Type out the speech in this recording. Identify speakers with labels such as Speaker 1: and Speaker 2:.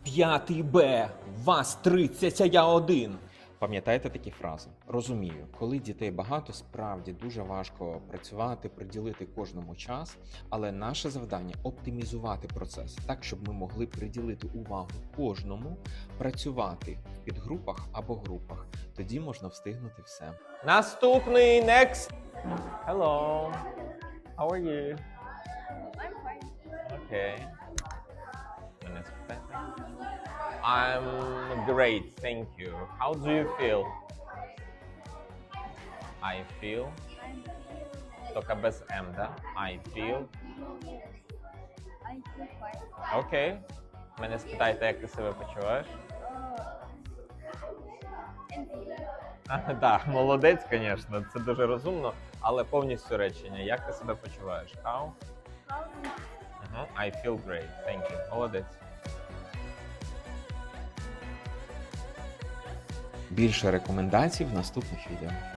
Speaker 1: 5 Б, вас 30, а я один. Пам'ятаєте такі фрази? Розумію, коли дітей багато, справді дуже важко працювати, приділити кожному час, але наше завдання оптимізувати процес так, щоб ми могли приділити увагу кожному, працювати в підгрупах або групах. Тоді можна встигнути все. Наступний next. Hello. How are you?
Speaker 2: I'm fine.
Speaker 1: Okay. I'm great, thank you. How do you feel? I feel. Тільки без М, да? I feel.
Speaker 2: I feel fine.
Speaker 1: Окей. Мене спитайте, як ти себе почуваєш? Так, молодець, звісно, це дуже розумно, але повністю речення. Як ти себе почуваєш? How? I feel great, thank you. Молодець. Більше рекомендацій в наступних відео.